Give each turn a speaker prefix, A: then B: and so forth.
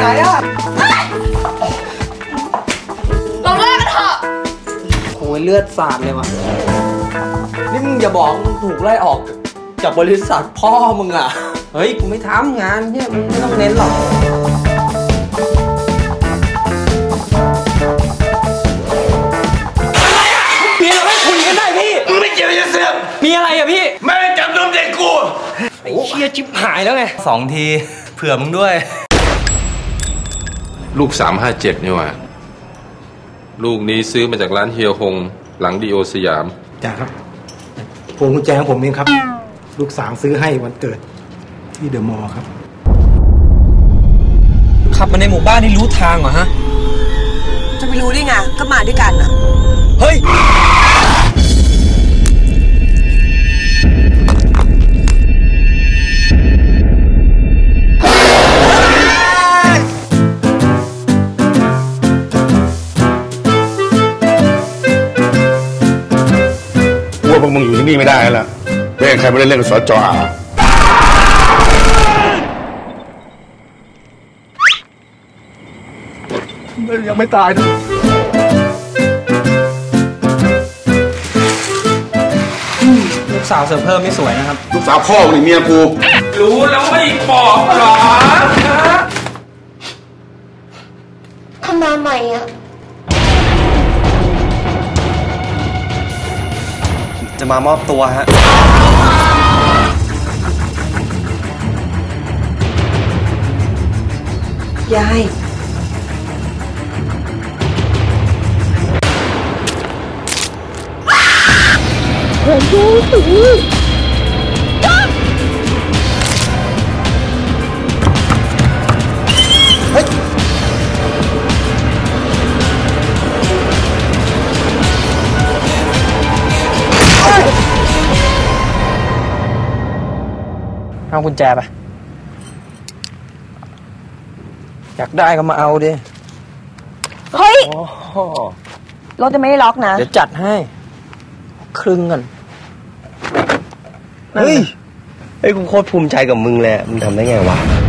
A: อ่ะเราเลิกกันเถอะโอ้ยเลือดสาดเลยว่ะนี่มึงอย่าบอกมึงถูกไล่ออกจากบริษัทพ่อมึงอ่ะเฮ้ยกูไม่ทำงานเนี่ยมึงไม่ต้องเน้นหรอกมีอะไรคุยกันได้พี่มึงไม่เกี่ยวกับเสื่อมมีอะไรอะพี่แม่จับนมเด็กกูไอ้เชี่ยชิบหายแล้วไง
B: 2 ทีเผื่อมึงด้วย
C: ลูก357นี่ว่ะลูกนี้ซื้อมาจากร้านเฮียฮงหลังดีโอสยาม
D: จ้าครับพวงกุญแจของผมเองครับลูก3ซื้อให้วันเกิดที่เดอะมอลล์ครับ
A: ขับมาในหมู่บ้านนี่รู้ทางเหรอฮะ
E: จะไปรู้ได้ไงก็มาด้วยกันอะ
A: เฮ้ย
F: พวกมึงอยู่ที่นี่ไม่ได้แล้วไม่ให้ใครมาเล่นกับสจ.อายังไม่ตายนะ
A: ลูกสาวเสริมเพิ่มไม่สวยนะครับ
F: ลูกสาวพ่อหรือเมียกู
A: รู้แล้วไม่บอกหรอ
G: ทำมาใหม่อะ
B: จะมามอบตัวฮะ
E: ยาย
G: โอ้โห
A: เฮ้ยเอากุญแจไปอยากได้ก็มาเอาดิ
E: เฮ้ยรถจะไม่ได้ล็อกนะ
A: เดี๋ยวจัดให้ครึ่งกัน
B: เฮ้ยกูโคตรภูมิใจกับมึงเลยมึงทำได้ไงวะ